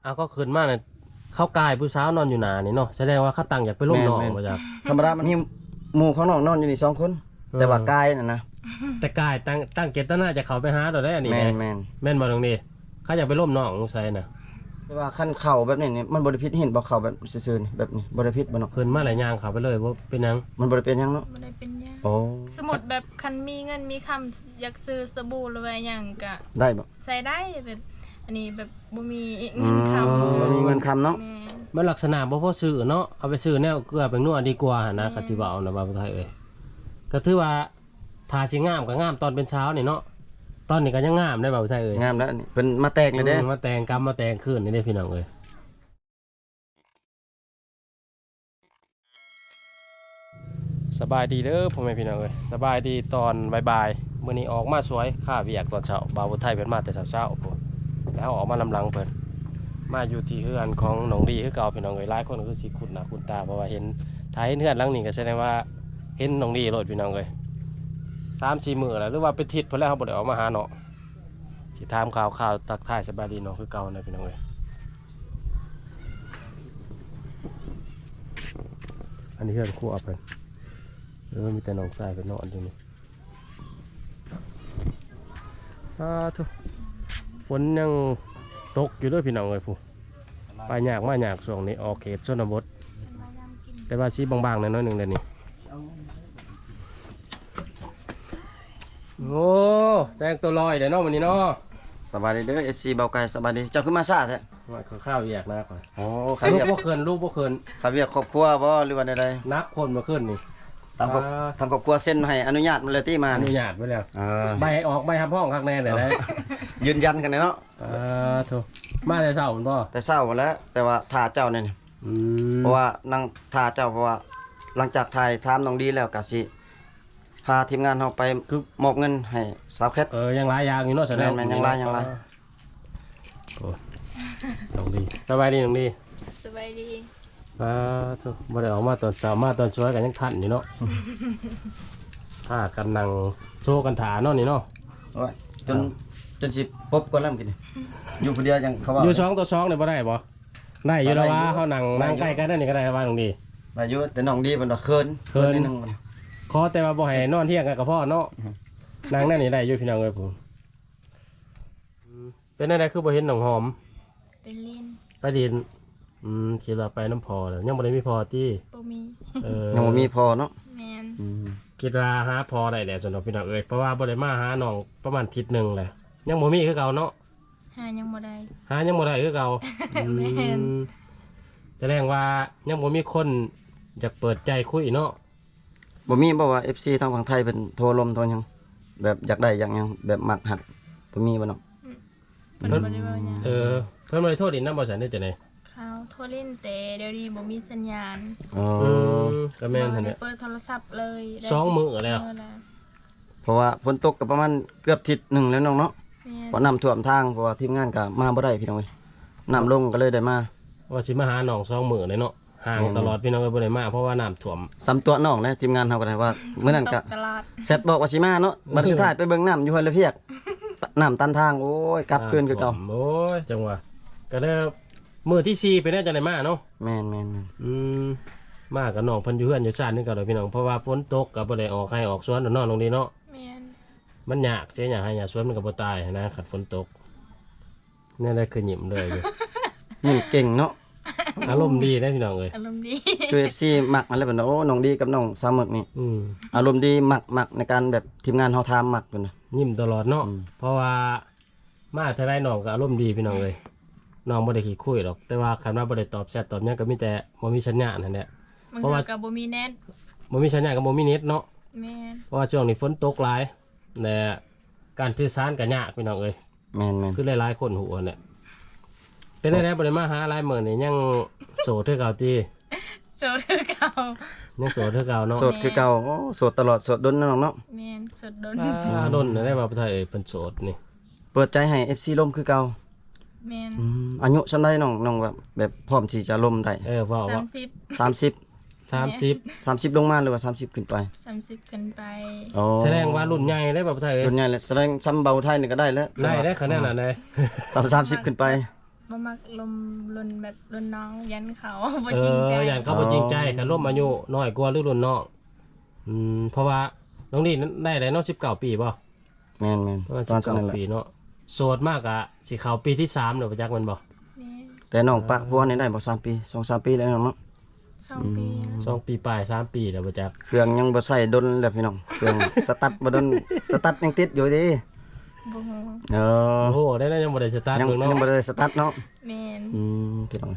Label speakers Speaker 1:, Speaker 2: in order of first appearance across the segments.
Speaker 1: ก็ขึ้นมาเนี่ยเข้ากายผู้สาวนอนอยู่หนานี่เนาะแสดงว่าเขาตั้งอยากไปร่วมน้องมาจาก
Speaker 2: ธรรมดามันมีหมู่ของน้องนอนอยู่นี่2คนแต่ว่ากายน่ะนะ
Speaker 1: แต่กายตั้งเจตนาจะเข้าไปหาเราได้อันนี้แม่นบ่ตรงนี้เขาอยากไปร่วมน้องสงสัยนะ
Speaker 2: แต่ว่าคันเข่าแบบนี้นี่มันบ่ได้ผิดเห็นบ่เข่าแบบซื่อๆนี่แบบนี้บ่ได้ผิดบ่เนาะ
Speaker 1: ขึ้นมาหลายอย่างเข้าไปเลยว่าเป็นหยัง
Speaker 2: มันบ่ได้เป็นหยังเนาะ
Speaker 3: บ่ได้เป็นหยัง
Speaker 2: โอ้
Speaker 3: สมมุติแบบคันมีเงินมีคำอยากซื้อสบู่หรือว่าหยังก็
Speaker 2: ได้บ่
Speaker 3: ใช้ได้แบบอันนี้แบบบ่มีเงินคำ
Speaker 2: บ่มีเงินคำเนาะ
Speaker 1: มันลักษณะบ่พอซื้อเนาะเอาไปซื้อแนวเกลือเป็นนัวดีกว่านะก็สิว่าเอานะบ่าวไทยเอ้ยก็ถือว่าทาสิงามก็งามตอนเป็นเช้านี่เนาะตอนนี้ก็ยังงามได้บ่าวไทยเอ้ย
Speaker 2: งามแล้วนี่เพิ่นมาแตกเลยเด้
Speaker 1: มาแต่งกรรมมาแต่งคืนนี่เด้พี่น้องเอ้ยสบายดีเด้อพ่อแม่พี่น้องเอ้ยสบายดีตอนบ่ายๆมื้อนี้ออกมาสวยค่าเวียกตอนเช้าบ่าวไทยเพิ่นมาแต่เช้าๆพุ่นแล้วออกมาลำลังเพิ่นมาอยู่ที่เฮือนของน้องดีคือเก่าพี่น้องเอ้ยหลายคนก็คือสิคุ้นหน้าคุ้นตาเพราะว่าเห็นถ้าเห็นเฮือนหลังนี้ก็แสดงว่าเห็นน้องดีโลดพี่น้องเอ้ย 3-4 มื้อแล้วหรือว่าเป็นทิศเพิ่นแล้วเฮาบ่ได้ออกมาหาเนาะสิถามข่าวทักทายสบายดีเนาะคือเก่านะพี่น้องเอ้ยอันนี้เฮือนครัวเพิ่นมีแต่น้องชายเพิ่นนอนอยู่นี่ทุกฝนยังตกอยู่ด้วยพี่น้องเอ้ยผู้ไปยากมาช่วงนี้ออกเขตชนบทแต่ว่าสีบางๆหน่อยๆนึงเดี๋ยวนี้โอ้แจ้งตัวลอยเดี๋ยวน้องวันนี้เนาะ
Speaker 2: สบายดีเด้อ FC เบาไก่สบายดีเจ้าขึ้นมาซ่าแท้
Speaker 1: ว่าข้าวแยกนะก่อน
Speaker 2: โอ้
Speaker 1: ลูกบ่เคิน
Speaker 2: ครับเวียกครอบครัวบ่หรือว่าใด
Speaker 1: นับคนมาขึ้นนี่
Speaker 2: ๆทางครอบครัวเซ็นให้อนุญาตมาเลยที่มา
Speaker 1: อนุญาตไว้แล้วใบออกใบทำห้องข้างในเดี๋ยวได้
Speaker 2: ยืนยันกันเนาะ
Speaker 1: ถูกมาแต่เช้าคุณพ่อ
Speaker 2: แต่เช้าแล้วแต่ว่าท่าเจ้าเนี่ยเพราะว่านั่งท่าเจ้าเพราะว่าหลังจากถ่ายถามน้องดีแล้วก็สิพาทีมงานเราไปมอบเงินให้สาวแคท
Speaker 1: ยังหลายอย่างอยู่เนาะแสดง
Speaker 2: ยังหลาย
Speaker 1: โอ้น้องดีสบายดีน้องดี
Speaker 3: สบายดี
Speaker 1: ถูกบ่ได้ออกมาตอนเช้ามาตอนช่วยกันยังทันอยู่เนาะถ้ากันนั่งโชว์กันถาเนาะนี่เนาะ
Speaker 2: จนสิปบก่อนแล้วกินอยู่คนเดียวยังเขาว่า
Speaker 1: อยู่2 ต่อ 2เนี่ยบ่ได้บ่ได้อยู่แล้วว่าเฮานั่งใกล้กันนั่นนี่ก็ได้ว่าน้องดี
Speaker 2: ได้อยู่แต่น้องดีเพิ่นว่าเคินนิดนึง
Speaker 1: ขอแต่ว่าบ่ให้นอนเที่ยงกันกับพ่อเนาะนางนั่นนี่ได้อยู่พี่น้องเอ้ยผมเป็นอะไรคือบ่เห็นน้องหอมไปดินคิดว่าไปน้ำพอแล้วยังบ่ได้มีพอที่
Speaker 3: บ่มี
Speaker 2: ยังบ่มีพอเนาะ
Speaker 3: แม่น
Speaker 1: คิดว่าหาพอได้แหละสำหรับพี่น้องเอ้ยเพราะว่าบ่ได้มาหาน้องประมาณอาทิตย์นึงแหละยังบ่มีคือเก่าเนาะ
Speaker 3: หายังบ่ได้
Speaker 1: คือเก่าแสดงว่ายังบ่มีคนอยากเปิดใจคุยเนาะ
Speaker 2: บ่มีบ่ว่า FC ทางฝั่งไทยเป็นโทรลมโทรหยังแบบอยากได้อย่างหยังแบบมักหักบ่มีบ่เนาะ
Speaker 3: เพิ่นบ่ได้ว่าหยัง
Speaker 1: เพิ่นบ่ได้โทษดินนำบ่ซั่นได้จังได๋
Speaker 3: เขาโทรเล่นแต่เดี๋ยวนี้บ่มีสัญญาณ
Speaker 1: ก็แม่นหั่นแหละ
Speaker 3: เปิดโทรศัพท์เลย
Speaker 1: 2 มื้อแล้ว
Speaker 2: เพราะว่าฝนตกก็ประมาณเกือบอาทิตย์นึงแล้วน้องเนาะเพราะน้ำท่วมทางเพราะว่าทีมงานก็มาบ่ได้พี่น้องเอ้ยน้ำลงก็เลยได้มา
Speaker 1: ว่าสิมาหาน้อง2 มื้อเลยเนาะห่างตลอดพี่น้องเอ้ยบ่ได้มาเพราะว่าน้ำท่วม
Speaker 2: ซ้ำตัวน้องนะทีมงานเฮาก็ได้ว่ามื้อนั้นก็เสร็จบอกว่าสิมาเนาะบัดสุดท้ายไปเบิ่งน้ำอยู่ห้วยละเพียกน้ำตันทางโอ้ยกลับคืนคือเก่า
Speaker 1: โอ้ยจังหวะก็ได้มื้อที่4ไปได้จังได๋มาเนาะ
Speaker 2: แม่น
Speaker 1: มากับน้องเพิ่นอยู่เฮือนอยู่ซ่านนึงก็เลยพี่น้องเพราะว่าฝนตกก็บ่ได้ออกให้ออกสวนน้องตรงนี้เนาะ
Speaker 3: แม่น
Speaker 1: มันยากสิอยากให้สวนมันก็บ่ตายนะคันฝนตกนี่ได้คือยิ้มเลยอยู่
Speaker 2: ยิ้มเก่งเนาะ
Speaker 1: อารมณ์ดีนะพี่น้องเอ้ย
Speaker 3: อารมณ์ดี
Speaker 2: คือ FC มักอะไรแบบนั้นโอ้น้องดีกับน้องสาวหมึกนี่อารมณ์ดีมักในการแบบทีมงานเฮาทำมักเพิ่นน่ะ
Speaker 1: ยิ้มตลอดเนาะเพราะว่ามาเท่าไรน้องก็อารมณ์ดีพี่น้องเอ้ยน้องบ่ได้ขี้คุยหรอกแต่ว่าคันว่าบ่ได้ตอบแชทตอบหยังก็มีแต่บ่มีสัญญาณนั่นแหละ
Speaker 3: เพราะว่าก็บ่มีเน็ต
Speaker 1: บ่มีสัญญาณก็บ่มีเน็ตเนาะ
Speaker 3: แม่น
Speaker 1: เพราะว่าช่วงนี้ฝนตกหลายและการสื่อสารก็ยากพี่น้องเอ้ย
Speaker 2: แม่น
Speaker 1: คือหลายๆคนหูเนี่ยเป็นได้บ่ได้มาหาหลายมื้อนี่ยังโสดคือเก่าติ
Speaker 3: โสดคือเก่า
Speaker 1: ยังโสดคือเก่าเนาะ
Speaker 2: โสดคือเก่าโอ้โสดตลอดโสดดนน้องเนาะ
Speaker 3: แม่นโสด
Speaker 1: ดนได้ว่าประเทศเพิ่นโสดนี่
Speaker 2: เปิดใจให้ FC ล่มคือเก่า
Speaker 3: แม่น
Speaker 2: อายุส่ำใดน้องแบบพร้อมที่จะล่มได้
Speaker 1: ว่า
Speaker 2: 30ลงมาหรือว่า30ขึ้นไป
Speaker 3: 30ขึ้นไป
Speaker 1: แสดงว่ารุ่นใหญ่ได้แบบไทย
Speaker 2: รุ่นใหญ่แล้วแสดงซ้ำเบาไทยนี่ก็ได้แล้ว
Speaker 1: ได้ขนาดนั้นเลย
Speaker 2: 30ขึ้นไป
Speaker 3: บบ่มักลมลนแบบลนน้องยันเขาบ่
Speaker 1: เอ
Speaker 3: จริง
Speaker 1: อ
Speaker 3: ใจ
Speaker 1: อย่างเขาบ่จริงใจกันร่วมอายุน้อยกว่าหรือรุ่นน้องเพราะว่าน้องนี่ได้ได้เนาะ19 ปีป่ะ
Speaker 2: แม่น
Speaker 1: ประมาณ
Speaker 2: ตอนนั้นแหละ
Speaker 1: 19 ปีเนาะโสดมากอะสิเข้าปีที่3เดี๋ยวไปจักมันบ่
Speaker 3: แม่น
Speaker 2: แต่น้องปะพัวนี่ได้บ่3 ปี 2-3 ปีแล้วเนาะ
Speaker 3: 2 ปีนะ
Speaker 1: 2 ปีปลาย3 ปีเดี๋ยวไปจัก
Speaker 2: เครื่องยังบ่ใส่ดนแล้วพี่น้องเครื่อง สตาร์ทบ่ดนสตาร์ทยังติดอยู่ดิ
Speaker 3: บ่ฮู้
Speaker 2: เออ
Speaker 1: โอ้โหได้ยังบ่ได้สตาร์ท
Speaker 2: ยัง
Speaker 1: เบิ่งเนาะ
Speaker 2: ยังบ่ได้สตาร์ทเนาะ
Speaker 3: แม่น
Speaker 2: พี่น้อง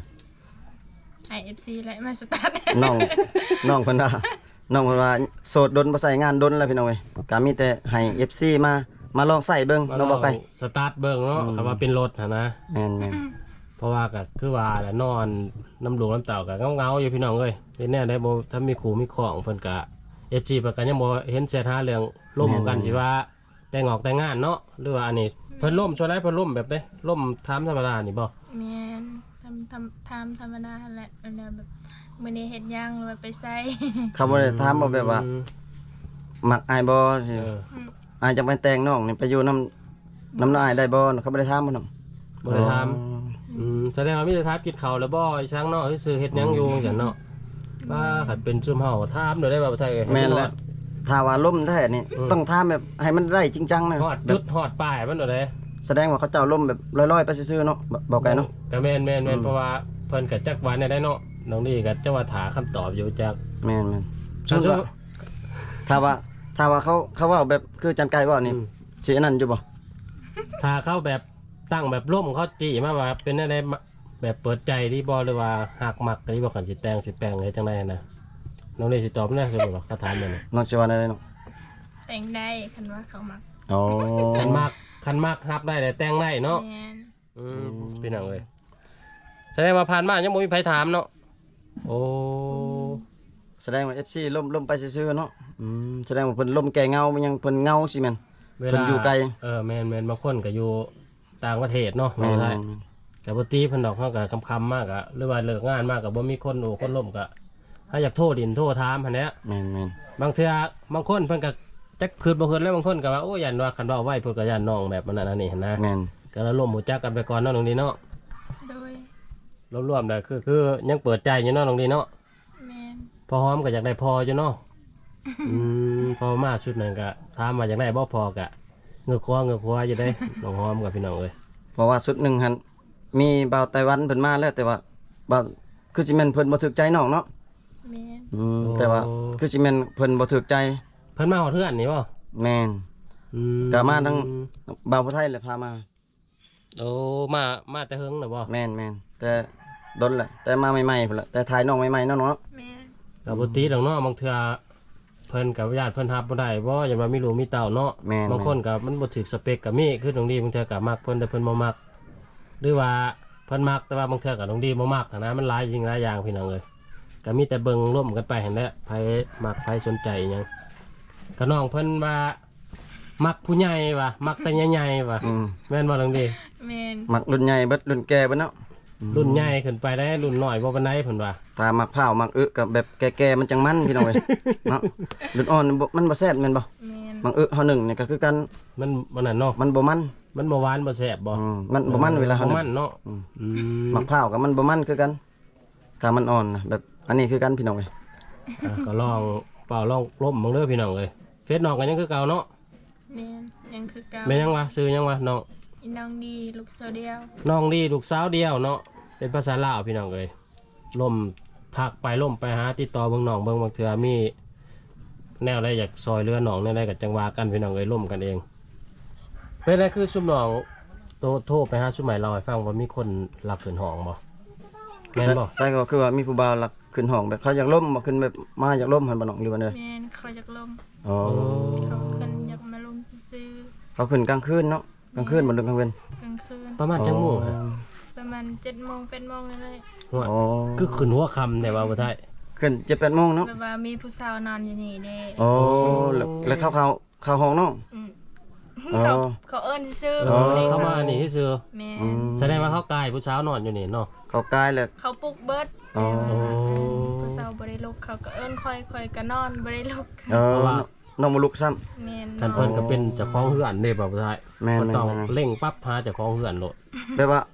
Speaker 3: IFC และมาสตาร์ท
Speaker 2: น้องน้องเพิ่นว่าน้องเพิ่นว่าโสดดนบ่ใส่งานดนแล้วพี่น้องเอ้ยก็มีแต่ให้ FC มาลองใส่เบิ่ง
Speaker 1: มา
Speaker 2: เนาะบ่ไป
Speaker 1: สตาร์ทเบิ่งเนาะคำว่าเป็นรถหั่นนะ
Speaker 2: แม่น
Speaker 1: เพราะว่าก็คือว่าแหละนอนน้ำหลวงน้ำเต่าก็เงาๆอยู่พี่น้องเอ้ยเป็นแน่ได้บ่ถ้ามีขู่มีของเพิ่นก็ FG เพิ่นก็ยังบ่เห็นเสียท่าเรื่องล่มกันสิว่าแต่งออกแต่งงานเนาะหรือว่าอันนี้เพิ่นล่มช่วยได้เพิ่นล่มแบบใดล่มถามธรรมดานี่บ่
Speaker 3: แม่นทำธรรมดาแหละอันนั้นแบบมื้อนี้เฮ็ดหยังหรือว่าไปใส่
Speaker 2: ๆเขาบ่ได้ถามบ่แบบว่ามักอายบ่
Speaker 1: เออ
Speaker 2: อายจะไปแต่งน้องนี่ไปอยู่น้ำน้ายได้บ่เขาบ่ได้ถามบ่นำ
Speaker 1: บ่ได้ถามแสดงว่ามีแต่ถามกินข้าวแล้วบ่ไอ้ช้างเนาะซื่อเฮ็ดหยังอยู่จังเนาะว่าคันเป็นซุมเฮาถามได้บ่าวไทยเอ้ย
Speaker 2: แม่นแล้วถ้าว่าล่มแท้นี่ต้องถามแบบให้มันได้จริงจังนะ
Speaker 1: ฮอด
Speaker 2: แบ
Speaker 1: จุ
Speaker 2: บ
Speaker 1: ดฮอดป้ายมันบ่ได้
Speaker 2: แสดงว่าเขาเจ้าล่มแบบลอยๆไปซื่อๆเนาะบอกไกลเนาะ
Speaker 1: ก็แม่นเพราะว่าเพิ่นก็จักวันได้เนาะน้องนี่ก็จะว่าถาคำตอบอยู่จาก
Speaker 2: แม่น
Speaker 1: สู้
Speaker 2: ถ้าว่าเขาว่าแบบคือจันไก่ว่านี่สิอันนั้นอยู่บ่
Speaker 1: ถ้าเข้าแบบตั้งแบบร่มเขาจีมาว่าเป็นอะไรแบบเปิดใจที่บอหรือว่าหักมักที่บอกขันสิแตงสิแปลงอะไรจังไรนะน้องนี่สิตอบแน่คือบอกเขาถามเลยนะ
Speaker 2: น้องสิว่าได้เนาะ
Speaker 3: แต่งได้คันว่าเขามัก
Speaker 2: อ๋อ
Speaker 1: ขันมักฮับได้แต่แตงได้เนาะ
Speaker 3: แม่น
Speaker 1: พี่น้องเลยแสดงว่าผ่านมายังบ่มีไผถามเนาะโอ้
Speaker 2: แสดงว่า FC ล่มไปซื่อๆเนาะแสดงว่าเพิ่นล่มแก่เงามันยังเพิ่นเงาสิแม่น
Speaker 1: เว
Speaker 2: เพิ่
Speaker 1: ลาน
Speaker 2: อยู่ไกล
Speaker 1: แม่นบางคนก็อยู่ต่างประเทศเนาะ
Speaker 2: แม่
Speaker 1: ใช่
Speaker 2: น
Speaker 1: แต่ปกติเพิ่นดอกเขาก็คำๆมากอะหรือว่าเลิกงานมากก็บ่มีคนโอ้คนล่มก็ถ้าอยากโทษดินโทษถามหั่นแหละ
Speaker 2: แม่น
Speaker 1: บางเทื่อบางคนเพิ่นก็จักคืนบ่คืนแล้วบางคนก็ว่าโอ้ยันว่าคันเว้าไว้เพิ่นก็ยันน้องแบบนั้นอันนี้หั่นนะ
Speaker 2: แม่น
Speaker 1: ก็ละร่วมหูจักกันไปก่อนเนาะน้องดีเนาะ
Speaker 3: โดย
Speaker 1: รวมๆได้คือยังเปิดใจอยู่เนาะน้องดีเนาะ
Speaker 3: แม่น
Speaker 1: พอหอมก็อยากได้พออยู่เนาะพอมาชุดนั้นก็ถามว่าอยากได้บ่พอก็เงือกคว้าอยู่ได้น้องหอมกับพี่น้องเอ้ย
Speaker 2: เพราะว่าสุดหนึงหั่นมีบ่าวไต้หวันเพิ่นมาแล้วแต่ว่าบ่าวคือสิแม่นเพิ่นบ่ถูกใจน้องเนาะ
Speaker 3: แม่น
Speaker 2: แต่ว่าคือสิแม่นเพิ่นบ่ถูกใจ
Speaker 1: เพิ่นมาฮอดเทือนนี่บ่
Speaker 2: แม่น ก็มาทั้ง บ่าวผู้ไทยแหละพามา
Speaker 1: โอ้มาแต่เฮิงน่ะบ่
Speaker 2: แม่นแต่ดนแหละแต่มาใหม่ๆพุ่นล่ะแต่ถ่ายน้องใหม่ๆเนาะ
Speaker 3: แม่น
Speaker 1: ก็บ่ติดอกเนาะบางเทื่อเพิ่นก็ญาติเพิ่นรับบ่ได้บ่อย่าว่ามีลูกมีเต้าเนาะ
Speaker 2: แม่น
Speaker 1: บางคนก็มันบ่ถึกสเปคก็มีคือตรงนี้บางเทื่อก็มักเพิ่นแต่เพิ่นบ่มักหรือว่าเพิ่นมักแต่ว่าบางเทื่อก็ตรงนี้บ่มักหั้นนะมันหลายสิ่งหลายอย่างพี่น้องเอ้ยก็มีแต่เบิ่งร่วมกันไปหั่นแหละไผมักไผสนใจอิหยังก็น้องเพิ่นว่ามักผู้ใหญ่ว่ะมักแต่ใหญ่ๆว่ะ
Speaker 2: อืม
Speaker 1: แม่นบ่ตรงนี้
Speaker 3: แม่น
Speaker 2: มักรุ่นใหญ่เบิดรุ่นแก่เบิดเนาะ
Speaker 1: รุ่นใหญ่ขึ้นไปได้รุ่นน้อยบ่ปานใดเพิ่นว่า
Speaker 2: ถ้ามักพร้าวมักอึกับแบบแก่ๆมันจังมันพี่น้องเอ้ย เนาะรุ่นอ่อนมันบ่แซ่บแม่นบ่
Speaker 3: แม่น
Speaker 2: มักอึเฮาหนึ่งนี่ก็คือกัน
Speaker 1: มันนั่นเนาะ
Speaker 2: มันบ่มัน
Speaker 1: มันบ่หวานบ่แซ่บบ่
Speaker 2: มันบ่มันเวลาเฮา
Speaker 1: บ่
Speaker 2: หนึ่
Speaker 1: มัน
Speaker 2: ง
Speaker 1: เนาะ
Speaker 2: มักพร้าวกับมันบ่มันคือกันถ้ามันอ่อนนะแบบอันนี้คือกันพี่น้องเอ้ย
Speaker 1: ก็ลองเปล่าลองล้มมึงเด้อพี่น้องเอ้ยเฟซน้องก็ยังคือเก่าเนาะ
Speaker 3: แม่นยังคือเก่า
Speaker 1: แม่นยังวะซื้อยังวะน้อง
Speaker 3: อีน้องดีลูกเสาวเดียว
Speaker 1: น้องดีลูกสาวเดียวเนาะเป็นภาษาลาวพี่น้องเอ้ยล่มทักไปล่มไปหาติดต่อเบิ่งน้องเบิ่งบางเทื่อมีแนวใดอยากซอยเรือน้องแนวใดก็จังว่ากันพี่น้องเอ้ยล่มกันเองเป็นไรคือซุมน้องโทรไปหาซุมใหม่เราให้ฟังว่ามีคนรักขึ้นห้องบ่แม่นบ่
Speaker 2: ใช่ก็คือว่ามีผู้บ่าวหลักขึ้นห้องแบบเขาอยากล่มบ่ขึ้นแบบมาอยากล่มหั่นบ่น้องหรือว่าเด้อ
Speaker 3: แม่นเขาอยากลง
Speaker 2: อ๋อ
Speaker 3: เขาขึ้นอยากมาลงซื้อ
Speaker 2: เขาขึ้นกลางคืนเนาะกลางคืนบ่ดึกกลางเว้น
Speaker 3: กลางคืน
Speaker 1: ประมาณจังโมงฮะ
Speaker 3: ประมาณ7 โมง8 โมงเลย
Speaker 1: หัว
Speaker 2: อ๋อ
Speaker 1: คือขึ้นหัวค่ำแต่ว่าบ่ได้
Speaker 2: ขึ้น 7-8 โมงเนาะ
Speaker 3: แบบว่ามีผู้สาวนอนอยู่นี่เด้
Speaker 2: อ๋อแล้วเข้าห้องเนาะ
Speaker 3: อืม
Speaker 2: อ๋อ
Speaker 3: เขาเอิ้นซื้อ
Speaker 1: เออเข้ามานี่ซื่อ
Speaker 3: แม่
Speaker 1: แสดงว่าเขากายผู้สาวนอนอยู่นี่เนาะ
Speaker 2: เขากายแล้ว
Speaker 3: เขาปลุกเบิด
Speaker 2: อ๋อ
Speaker 3: ผู้สาวบ่ได้ลุกเขาก็เอิ้นค่อยก็นอนบ่ได้ลุก
Speaker 2: น้องบ่ลุกซ้ำ
Speaker 3: แม่น
Speaker 1: กันเพิ่นก็เป็นเจ้าของเฮือนเด้บ่าวผู้ชาย
Speaker 2: แม่น
Speaker 1: มันต้อง
Speaker 2: แม่น
Speaker 1: เร่งปั๊บหาเจ้าของเฮือนโลด
Speaker 2: แบบว่า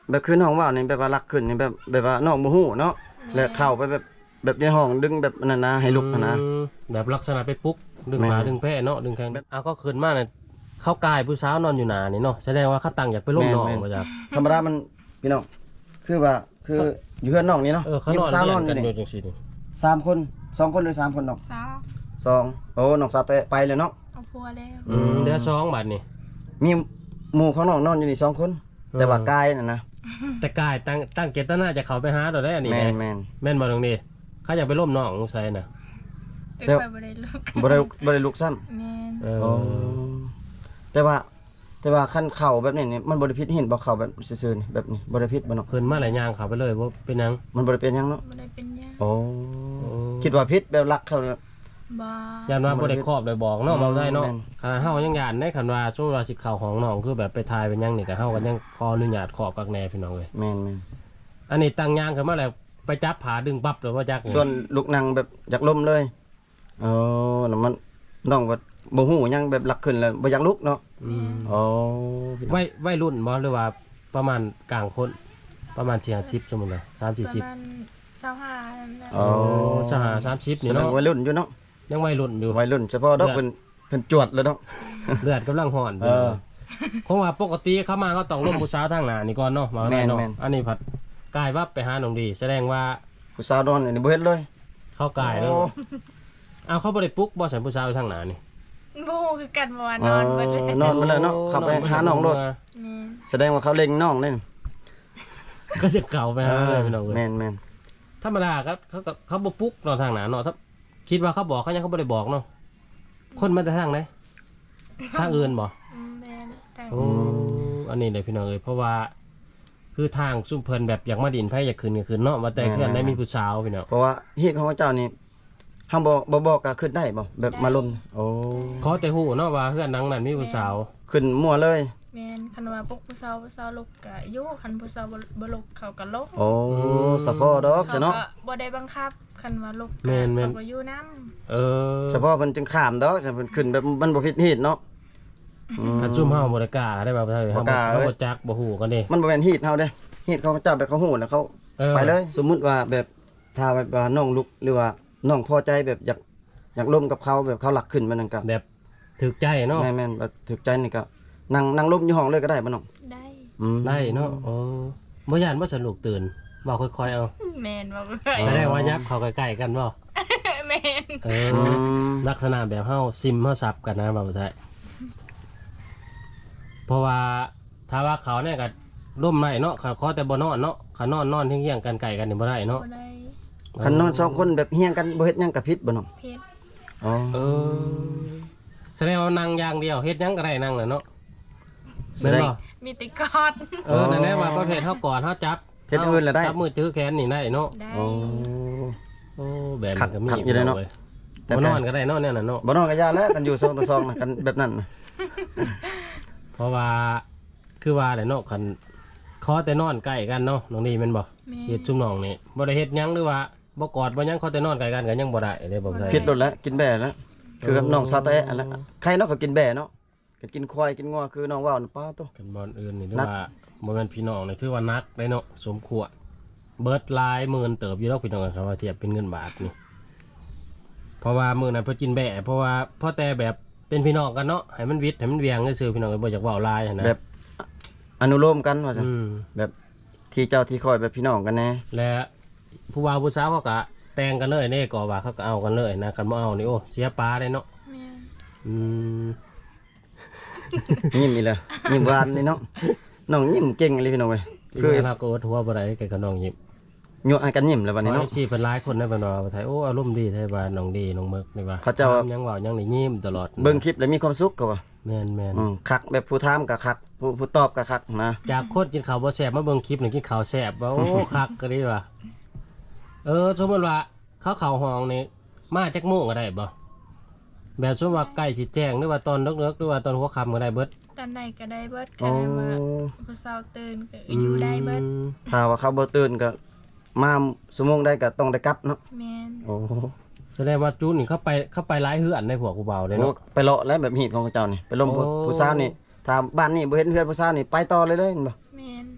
Speaker 2: แบบคือน้องว่าวนี่แบบว่ารักขึ้นนี่แบบว่าน้องบ่ฮู้เนาะแล้วเข้าไปแบบในห้องดึงแบบนั่นนะให้ลุกนะ
Speaker 1: แบบลักษณะไปปลุ๊กดึง
Speaker 2: แม่น
Speaker 1: ขาดึงแพร่เนาะดึงแขนเอาก็ขึ้นมาเนี่ยเขากายผู้สาวนอนอยู่หนานี่เนาะแสดงว่าเขาตั้งอยากไปล่มน้องมาจาก
Speaker 2: ธรรมดามันพี่น้องคือว่าคืออยู่เพื่อนน้องนี่เนาะ
Speaker 1: เขานอน
Speaker 2: สาว
Speaker 1: เรี
Speaker 2: น
Speaker 1: ย
Speaker 2: อน
Speaker 1: น
Speaker 2: อ
Speaker 1: กั
Speaker 2: ยู่
Speaker 1: น
Speaker 2: นี่
Speaker 1: อยู่จังซี่นี่
Speaker 2: 3 คน2 คนหรือ3 คนน้อง
Speaker 3: สาว
Speaker 2: 2โอ้น้องสาวเตะไปเลยเนาะ
Speaker 3: เอาพัวแล้ว
Speaker 1: เดือ2 บาทนี่
Speaker 2: มีหมู่ของน้องนอนอยู่นี่2 คน แต่ว่ากายน่ะนะ
Speaker 1: แต่กายตั้งเจตนาจะเข้าไปหาเราได้อันนี้
Speaker 2: แม่
Speaker 1: แม่
Speaker 2: นแม่น
Speaker 1: แม่นบ่ตรงนี้เขาอยากไปล่มน้องสงสัยน่ะ
Speaker 3: แต่
Speaker 2: เดี๋ยว
Speaker 3: ค่อยบ่ได้ลูก
Speaker 2: บ่ได้ลุกซ้ำ
Speaker 3: แม่น
Speaker 1: เออ
Speaker 2: แต่ว่าคันเข่าแบบนี้นี่มันบ่ได้ผิดเห็นบ่เข่าแบบซื่อๆนี่แบบนี้บ่ได้ผิดบ่เนาะ
Speaker 1: ขึ้นมาหลายอย่างเข้าไปเลยว่าเป็นหยัง
Speaker 2: มันบ่ได้เป็นหยังเนาะ
Speaker 3: บ่ได้เป็นหยัง
Speaker 2: โอ้คิดว่าผิดแบบรักเขาเนี่ย
Speaker 3: บ่
Speaker 1: ยานว่าบ่ได้ครอบได้บอกเนาะเบาได้เนาะ
Speaker 2: แม่น
Speaker 1: ขนาดเฮายังยานได้คันว่าช่วงเวลาสิเข้าของน้องคือแบบไปทายเป็นหยังนี่ก็เฮาก็ยังขออนุญาตครอบกักแน่พี่น้องเอ้ย
Speaker 2: แม่น
Speaker 1: อันนี้ตั้งยางขึ้นมาแล้วไปจับผาดึงปั๊บเลยว่าจักนี่
Speaker 2: ส่วนลูกนางแบบอยากล้มเลยแล้วมันน้องว่าบ่ฮู้หยังแบบรักขึ้นแล้วบ่อยากลุกเนาะ
Speaker 1: อืม
Speaker 2: อ๋อ
Speaker 1: วัยรุ่นบ่หรือว่าประมาณกลางคนประมาณ40สมมุตินะ3
Speaker 3: ประ
Speaker 1: 40
Speaker 3: มาณ25นั่นแหละ
Speaker 2: อ๋อ
Speaker 1: สหา30
Speaker 2: แส
Speaker 1: นี่
Speaker 2: ดง
Speaker 1: เนาะ
Speaker 2: วัยรุ่นอยู่เนาะ
Speaker 1: ยังวัยรุ่นอยู่
Speaker 2: วัยรุ่นเฉพาะดอกเพิ่นจวดเลยเนาะ
Speaker 1: เลือดกำลังห่อน
Speaker 2: เออ
Speaker 1: คงว่าปกติเข้ามาก็ต้องร่วมผู้สาวทางหน้านี่ก่อนเนาะมาได้เนาะ
Speaker 2: แม่น
Speaker 1: อันนี้ผัดกายวับไปหาหนองดี แสดงว่า
Speaker 2: ผู้สาวนอนนี่บ่เฮ็ดเลย
Speaker 1: เข้ากายแล้ว
Speaker 2: โอ้
Speaker 1: เอาเขาบ่ได้ปลุ๊กบ่ใส่ผู้สาวทางหน้านี่
Speaker 3: บ่ฮู้คือกันว่านอนเบิดเลย
Speaker 2: นอนไปเลยเนาะเข้าไปหาน้องโลด
Speaker 3: แม่น
Speaker 2: แสดงว่าเขาเล็งน้องเล่น
Speaker 1: ก็จะเก่าไปหาเลยพี่น้องเอ้ย
Speaker 2: แม่น
Speaker 1: ธรรมดาครับเขาบ่ปลุ๊กเนาะทางหน้าเนาะถ้าคิดว่าเขาบอกเขายังเขาบ่ได้บอกเนาะคนมาแต่ทางไหนทางอื่นบ่
Speaker 3: แม่นแต่
Speaker 1: โอ้อันนี้เลยพี่น้องเอ้ยเพราะว่าคือทางซุ่มเพิ่นแบบอยากมาดินไผอยากขึ้นก็ขึ้นเนาะว่าแต่เพื่อนได้มีผู้สาวพี่น้อง
Speaker 2: เพราะว่าเฮ็ดของเจ้านี่เฮาบ่บอกก็ขึ้นได้บ่แบบมาลมโอ้
Speaker 1: ขอแต่ฮู้เนาะว่าเพื่อนนังนั้นมีผู้สาว
Speaker 2: ขึ้นมั่วเลย
Speaker 3: แม่นคันว่าพวกผู้สาวลุกก็อยู่คันผู้สาวบ่ลุกเขาก็ลง
Speaker 2: โอ้สะพอดอก
Speaker 3: เขา
Speaker 2: ซะเนาะ
Speaker 3: ก็บ่ได้บังคับคันว่าลุก
Speaker 1: แม่น
Speaker 3: เขาก็อยู่นํ
Speaker 1: เออ
Speaker 2: เฉพาะเพิ่นจึงข้ามดอกเพิ่นขึ้นแบบมันบ่ผิดเหตุเนาะ
Speaker 1: กันซุ่มเฮาบ่ได้กล้าได้บ่าวไทยเฮา
Speaker 2: บ่กล้า
Speaker 1: เฮาบ่จักบ่ฮู้กันเด้
Speaker 2: มันบ่แม่นเหตุเฮาเด้เหตุของเจ้าแบบเขาฮู้แล้วเขา
Speaker 1: เออ
Speaker 2: ไปเลย สมมุติว่าแบบถ้าแบบว่าน้องลุกหรือว่าน้องพอใจแบบอยากร่วมกับเขาแบบเขาหลักขึ้นมันนั่นก็
Speaker 1: แบบถึกใจเนาะ
Speaker 2: แม่นๆแบบถูกใจนี่ก็นั่งร่มอยู่ห้องเลยก็ได้บ่น้อง
Speaker 3: ได้
Speaker 1: ได้เนาะโอ้บ่ย่านบ่สนุกตื่นเว้าค่อยๆเอา
Speaker 3: แม่นว่าบ่
Speaker 1: แสดงว่ายับเข้าใกล้ๆกันบ่
Speaker 3: แม่น
Speaker 1: เออลักษณะแบบเฮาซิมเฮาซับกันนะบ่าวไทยเพราะว่าถ้าว่าเขาเนี่ยก็ร่มได้เนาะขอแต่บ่นอนเนาะขานอนเที่ยงๆกันไก่กันนี่บ่ได้เนาะ
Speaker 3: บ่ได้
Speaker 2: คันนอน2คนแบบเฮียงกันบ่เฮ็ดหยังก็ผิดบ่น้อง
Speaker 3: เพชร
Speaker 2: อ๋อ
Speaker 1: เออแสดงว่านั่งอย่างเดียวเฮ็ดหยังก็ได้นั่งน่ะเนาะแม่นบ่
Speaker 3: มีแติกอด
Speaker 1: นั่นแหละว่าประเภทเฮากอดเฮาจับ
Speaker 2: เฮ็ดอื่นแล้วได้
Speaker 1: จับมือถือแขนนี่ได้เนาะ
Speaker 3: ได้
Speaker 2: โอ้
Speaker 1: โอ้แบบ
Speaker 2: ขั
Speaker 1: นี้
Speaker 2: ด
Speaker 1: ก็มี
Speaker 2: ขัดอยู่เลยเนาะ
Speaker 1: บ่นอนก็ได้เนาะเนี่ยน่ะเนาะ
Speaker 2: บ่นอนก็ยาแล้วกันอยู่2ต่อ2น่ะกันแบบนั้นน่ะ
Speaker 1: เพราะว่าคือว่าแหละเนาะคันขอแต่นอนใกล้กันเนาะน้องนี่แม่นบ่
Speaker 3: แม่น
Speaker 1: เฮ็ดซุมน้องนี่บ่ได้เฮ็ดหยังหรือว่าบ่กอดบ่หยังขอแต่นอนใกล้กันก็ยังบ่ได้เด้บ่ได้
Speaker 2: ผิดรถแล้วกินแบ่แล้วคือกับน้องซาเตะอันละใครเนาะก็กินแบ่เนาะก็กินควายกินงัวคือน้องว่าวน่ะป้าโต
Speaker 1: กันบ่อนอื่นนี่หรือ
Speaker 2: นัก
Speaker 1: ว่าบ่แม่นพี่น้องนี่ถือว่านักได้เนาะสมควรเบิดหลายหมื่นเติบอยู่ดอกพี่น้องครับว่าเทียบเป็นเงินบาทนี่เพราะว่ามื้อนั้นเพิ่นกินแบะเพราะว่าพอแต่แบบเป็นพี่น้องกันเนาะให้มันวิทย์ให้มันเวียงซื่อๆพี่น้องก็บ่อยากเว้าหลายหันนะ
Speaker 2: แบบอนุโลมกันว่าซั่น
Speaker 1: อืม
Speaker 2: แบบที่เจ้าที่คอยแบบพี่น้องกันแน่
Speaker 1: และผู้บ่าวผู้สาวเขาก็แต่งกันเลยเน่ก็ว่าเขาก็เอากันเลยนะกันบ่เอานี่โอ้เสียปลาเลยเนาะ
Speaker 3: แม่น
Speaker 1: อืม
Speaker 2: ยิ้มอีแล้วยิ้มหวานนี่เนาะน้องยิ้มเก่งเลยพี่น้องเว้ย
Speaker 1: คื
Speaker 2: คือ อ
Speaker 1: เราก็อดหัวบ่ได้กับน้องยิ้ม
Speaker 2: ยั่วให้กันยิ้มแล้วบัดนี้
Speaker 1: เนาะ
Speaker 2: เนาะ
Speaker 1: สิเพิ่นหลายคนนะเพิ่นว่าไทยโอ้อารมณ์ดีไทยว่าน้องดีน้องเมึกนี่ว่า
Speaker 2: เขาเจ้า
Speaker 1: ถมยังเว้ายังนี่ยิ้มตลอด
Speaker 2: เบิ่งคลิปแล้วมีความสุขก็ว่า
Speaker 1: แม่น
Speaker 2: คักแบบผู้ถามก็คักผู้ตอบก็คักนะ
Speaker 1: จากโคตรกินข้าวบ่แซ่บมาเบิ่งคลิปนี่กินข้าวแซ่บว่าโอ้ คักก็ดีว่าสมมุติว่าเขาเข้าห้องนี่มาจักโมงก็ได้บ่แบบสมมุติว่าใกล้สิแจ้งหรือว่าตอนดึกๆหรือว่าตอนหัวค่ำก็ได้เบิด
Speaker 3: ตอนไหนก็ได้เบิด
Speaker 2: โอ้
Speaker 3: กันว่าผู้สาวตื่นก็อยู่ได้เบิด
Speaker 2: ถ้าว่าเขาบ่ตื่นก็มาชั่วโมงได้ก็ต้องได้กลับเนาะ
Speaker 3: แม่น
Speaker 2: โอ้
Speaker 1: แสดงว่าจูนนี่เข้าไปหลายเฮือนในพวกผู้เบาเลย
Speaker 2: โอ้
Speaker 1: เนาะ
Speaker 2: ไปเลาะแล้วแบบหีดของเจ้านี่ไปล้ม
Speaker 1: โอ้
Speaker 2: ผู้สาวนี่ถ้าบ้านนี่บ่เห็นเฮือนผู้สาวนี่ไปต่อเลยเห็นบ่
Speaker 3: แม่น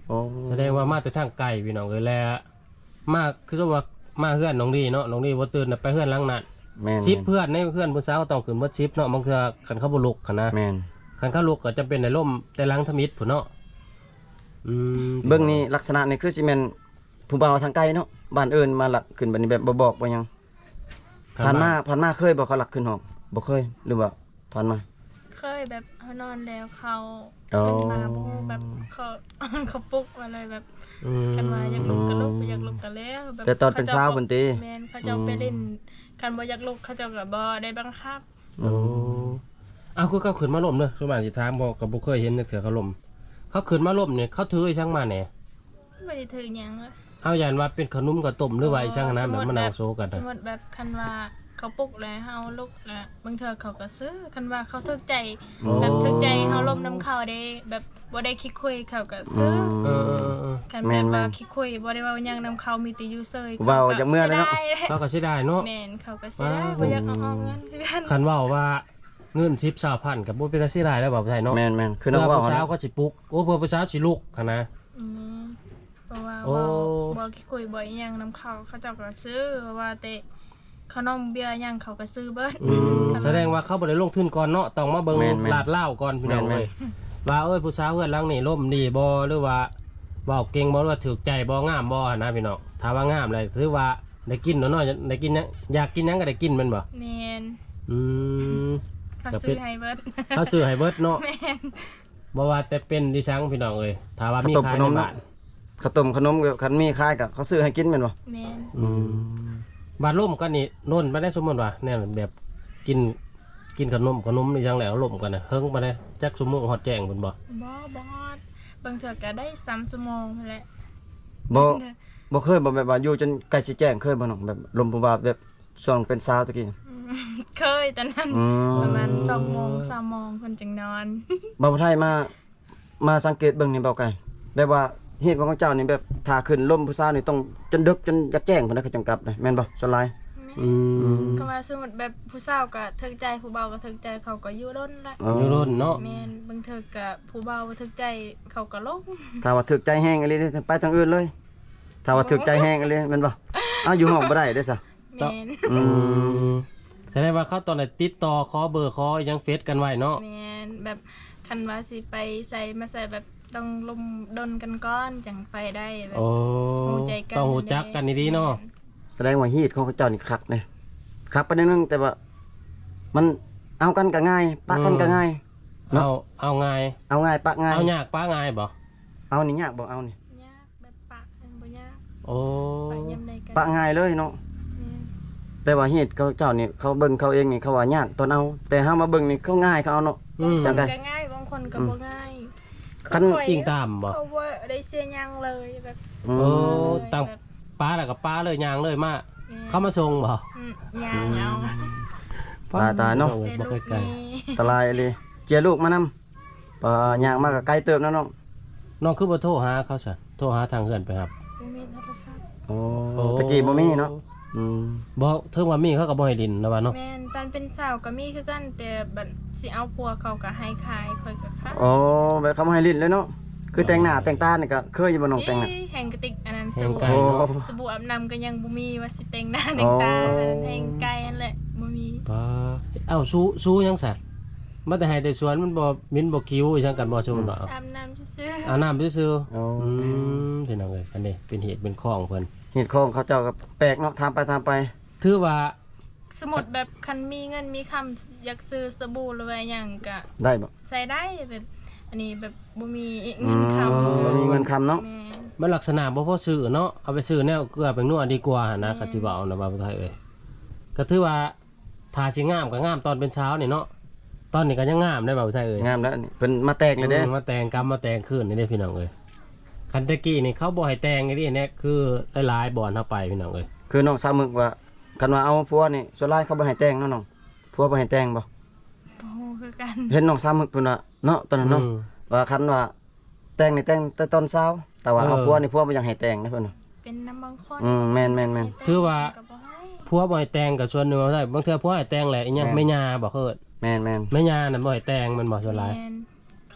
Speaker 2: โอ้
Speaker 1: แสดงว่ามาแต่ทางไกลพี่น้องเอ้ยแล้วมาคือว่ามาเฮือนน้องดีเนาะน้องดีบ่ตื่นน่ะไปเฮือนหลังนั้น
Speaker 2: แม่น
Speaker 1: 10เพื่อนในเพื่อนผู้สาวต้องขึ้นเบิด10เนาะบางเทื่อคันเขาบ่ลุกหันนะ
Speaker 2: แม่น
Speaker 1: คันเขาลุกก็จะเป็นในร่มแต่หลังทมิดพุ่นเนาะ
Speaker 2: เบิ่งนี่ลักษณะนี่คือสิแม่นผู้บ่าวทางไกลเนาะบ้านอื่นมาหลักขึ้นบัดนี้แบบบ่บอกบ่หยังผ่านมาเคยบ่เขาหลักขึ้นห้องบ่เคยหรือว่าผ่านมา
Speaker 3: เคยแบบเขานอนแล้วเขา
Speaker 2: อ๋อ
Speaker 3: ขึ้นมาบ่แบบเขา เขาปลุกมาเลยแบบกันว่าอยากลุกก็ลุกบ่อยากลุกก็แล้วแบบ
Speaker 2: แต่ตอนเป็นสาวเพิ่นติ
Speaker 3: แม่นเขาเจ้าไปเล่นกันบ่อยากลุกเขาเจ้าก็บ่ได้บังคับ
Speaker 1: โอ้เอาคือเขาขึ้นมาล่มเด้อส่วนมากสิถามบ่ก็บ่เคยเห็นจักเทื่อเขาล่มเขาขึ้นมาล่มเนี่ยเขาถือไอ้ช่างมาแหน่
Speaker 3: บ่ได้ถือหยังเลย
Speaker 1: เอาอย่างว่าเป็นขนมกับต้มหรือว่าไอ้ช่างนะแบบมะนาวโซกัน
Speaker 3: ส
Speaker 1: นะ
Speaker 3: มมุติแบบคันว่าเขาปลุกแล้วเฮาลุกแล้วบางเทื่อเขาก็ซื้อคันว่าเขาถึกใจแบบถึกใจเฮาลมน้ำเขาได้แบบบ่ได้คิดคุยเขาก็ซื้อ
Speaker 1: เออ
Speaker 3: กันแบบว่าคิดคุยบ่ได้ว่าหยังนำเขามีแต่อยู่เซย
Speaker 2: เว้าจากเมื่อเลยเนาะ
Speaker 1: เขาก็สิได้เนาะ
Speaker 3: แม่นเขาก็สิได้บ่อยากเอาเงินคือกัน
Speaker 1: คันเว้าว่าเงิน10,000กับบ่เป็นตาสิได้แล้วบ่ไทยเนาะ
Speaker 2: แม่นๆคือน้
Speaker 1: เพื่
Speaker 2: อง
Speaker 1: อ
Speaker 2: ว่า
Speaker 1: ผู้สาวก็สิปลุกโอ้เพื่อผู้สาวสิลุกคั่นนะ
Speaker 3: อืมเพราะว่า
Speaker 1: โอ้
Speaker 3: บ่คิดคุยบ่อีหยังนำเขาเขาเจ้าก็ซื้อเพราะว่าแต่ขนมเบียร์หยังเขาก็ซื้อเบิด
Speaker 1: แสดงว่าเขาบ่ได้ลงทุนก่อนเนาะต้องมาเบิ่งลาดเหล้าก่อนพี่น้องเอ้ยว่าเอ้ยผู้สาวเฮือนหลังนี่ล่มดีบ่หรือว่าเว้าเก่งบ่หรือว่าถูกใจบ่งามบ่นะพี่น้องถ้าว่างามเลยถือว่าได้กินเนาะได้กินหยังอยากกินหยังก็ได้กินแม่นบ่
Speaker 3: แม่น
Speaker 1: อืม
Speaker 3: เขาซื้อให้เบิด
Speaker 1: เขาซื้อให้เบิดเนาะ
Speaker 3: แม่น
Speaker 1: บ่ว่าแต่เป็นดิฉันพี่น้องเอ้ยถ้าว่ามีขายในบ้าน
Speaker 2: ข้าวต้มขนมกับคันมีขายกับเขาซื้อให้กินแม่นบ่
Speaker 3: แม่น
Speaker 1: บาดล่มกันนี่โน่นบ่ได้สมมุติว่าแน่แบบกินขนมนี่จังแล้วล่มกันน่ะเฮิงบ่ได้จักชั่วโมงฮอดแจ้งพุ่นบ่
Speaker 3: บ่ฮอดบางเทื่อก็ได้3ชั่วโมงนั่นแหละ
Speaker 2: บ่เคยบ่แบบว่าอยู่จนใกล้สิแจ้งเคยบ่น้องแบบลมผู้บ่าวแบบช่วงเป็นสาวตะกี้
Speaker 3: เคยตอนนั้นประมาณ2โมง3โมงเพิ่นจึงนอน
Speaker 2: บ่าวไทยมาสังเกตเบิ่งนี่เบาไก่แบบว่าเหตุของเจ้านี่แบบถ้าขึ้นลมผู้สาวนี่ต้องจนดึกจนอยากแจ้งเพิ่นนะเขาจังกลับเลยแม่นบ่ส่วนหลาย
Speaker 3: ก็ว่าสมมุติแบบผู้สาวก็ถึกใจผู้เบาก็ถึกใจเขาก็อยู่ล้นละ
Speaker 1: อยู่รุ่นเนาะ
Speaker 3: แม่นบางเทื่อก็ผู้เบาบ่ถึกใจเขาก็ลง
Speaker 2: ถ้าว่าถึกใจแห้งอะไรไปทางอื่นเลย ถ้าว่าถึกใจแห้งอะไรแม่นบ่อ้าวอยู่ห้องบ่ได้เด้อซะ
Speaker 3: แม่น
Speaker 1: แสดงว่าเขาตอนนั้นติดต่อขอเบอร์ขอยังเฟซกันไว้เนาะ
Speaker 3: แม่นแบบคันว่าสิไปใส่มาใส่แบบต้องลมดนกันก่อนจังไปได้แบบ
Speaker 1: โอ้
Speaker 3: รู้ใจกัน
Speaker 1: ต้องรู้จักกันดีๆเนาะ
Speaker 2: แสดงว่าฮีตของเขาเจ้านี่คักเด้คักไปนิดนึงแต่ว่ามันเอากันก็ง่ายปะกันก็ง่าย
Speaker 1: เอาง่าย
Speaker 2: เอาง่ายปะง่าย
Speaker 1: เอายากป้าง่ายบ่
Speaker 2: เอานี่ยากบ่เอานี่
Speaker 3: ยากแบบปะบ่ยาก
Speaker 1: โอ้
Speaker 3: ปะยามใดกัน
Speaker 2: ปะง่ายเลยเนาะ
Speaker 3: แม่น
Speaker 2: แต่ว่าเหตุเขาเจ้านี่เขาเบิ่งเขาเองนี่เขาว่ายากตอนเอาแต่เฮามาเบิ่งนี่เขาง่ายเขาเอาเนาะ จังได๋
Speaker 3: ก็ง่ายบางคนก็บ่ง่าย
Speaker 2: คัน
Speaker 3: ข้อย
Speaker 1: จริงตามบ่
Speaker 3: เขาว่าได้เสียหยังเลยแบบ
Speaker 2: อืม
Speaker 1: โอ้ตั้งป้าแล้วก็ป้าเลยยางเลยมาเข้ามาส่งบ่
Speaker 3: ยางเอา
Speaker 2: ตายเนาะ
Speaker 3: ใจ
Speaker 1: บ่
Speaker 3: ลู
Speaker 2: อั
Speaker 1: เคยไกล
Speaker 3: กนี่
Speaker 2: นตรายเลยเจียลูกมานำย่างมาก็ไกลเติบแล้วเนาะ
Speaker 1: น้องคือบ่โทรหาเขาซะโทรหาทางเฮือนไปครับ
Speaker 3: บ่มีโทรศัพท์
Speaker 2: โอ้ตะกี้บ่มีเนาะอืม
Speaker 1: บ่ถึงว่ามีเขาก็บ่ให้ดินนะว่าเนาะ
Speaker 3: แม่นตอนเป็นสาวก็มีคือกันแต่บัดสิเอาปัวเขาก็ให้ขายค่อยก็ขาย
Speaker 2: โอ้แบบเขามาให้ลิ้นเลยเนาะคือแต่งหน้าแต่งตานี่ก็เคยอยู่บ่น้องแต่งหน้า
Speaker 3: แห่งกระติกอันนั้น
Speaker 1: แห่
Speaker 3: ส
Speaker 1: ง
Speaker 3: บู่
Speaker 1: ไกล
Speaker 2: โอ้
Speaker 1: เนาะ
Speaker 3: สบู่อาบน้ำก็ยังบ่มีว่าสิแต่งหน้าแต่งตาแห่งไกลนั่นแหละบ่มี
Speaker 1: ป้าเอ้าสู้ยังซะมาแต่ให้แต่สวนมันบ่มินบ่คิวอีจังกันบ่ซุมันบ่
Speaker 3: อาบน้ำซื่อ
Speaker 1: เอาน้ำซื่อ
Speaker 2: โอ้
Speaker 1: ๆพี่น้องเอ้ยอันนี้เป็นเหตุเป็นข้องเพิ่น
Speaker 2: เหตุของเขาเจ้าก็แปลกเนาะทำไป
Speaker 1: ถือว่า
Speaker 3: ๆสมุดแบบคันมีเงินมีคำอยากซื้อสบู่หรือว่าหยังก็
Speaker 2: ได้บ่
Speaker 3: ใส่ได้แบบอันนี้แบบบ่มีเงินคำ
Speaker 2: บ่มีเงินคำเนาะ
Speaker 3: แม่น
Speaker 1: มันลักษณะบ่พอซื้อเนาะเอาไปซื้อแนวเกลือเป็นนัวดีกว่าหั่นนะก็สิว่าเอานะบ่าวไทยเอ้ยก็ถือว่าถ้าสิงามก็งามตอนเป็นเช้านี่เนาะตอนนี้ก็ยังงามได้บ่าวไทยเอ้ย
Speaker 2: งามแล้วนี่เพิ่นมาแตกเลยเด้
Speaker 1: มาแต่งกรรมมาแต่งคืนนี่เด้พี่น้องเอ้ยคันตะกี้นี่เขาบ่ให้แต่งนี่เนี่ยคือหลายๆบ่อนเฮาไปพี่น้องเอ้ย
Speaker 2: คือน้องสาวมึกว่ากันว่าเอาผัวนี่ส่วนหลายเขาบ่ให้แต่งเนาะน้องผัวบ่ให้แต่งบ่
Speaker 3: บ่ฮู้คือกัน
Speaker 2: เห็นน้องสาวมึกเพิ่นว่าเนาะตอนนั้นเนาะว่าคันว่าแต่งนี่แต่งแต่ตอนเช้าแต่ว่าเอาผัวนี่ผัวบ่อยากให้แต่งนะเพิ่นว่า
Speaker 3: เป็นน้ำบางคน
Speaker 2: แม่น
Speaker 1: ถือว่า
Speaker 3: ก็บ่ให้
Speaker 1: ผัวบ่ให้แต่งก็ส่วนหนึงเอาได้บางเทื่อผัวให้แต่งแหละอีหยังแม่ย่าบ่เคิด
Speaker 2: แม่น
Speaker 1: แม่ย่าน่ะบ่ให้แต่งมันบ่ส่วนหลาย
Speaker 3: แม่นเขา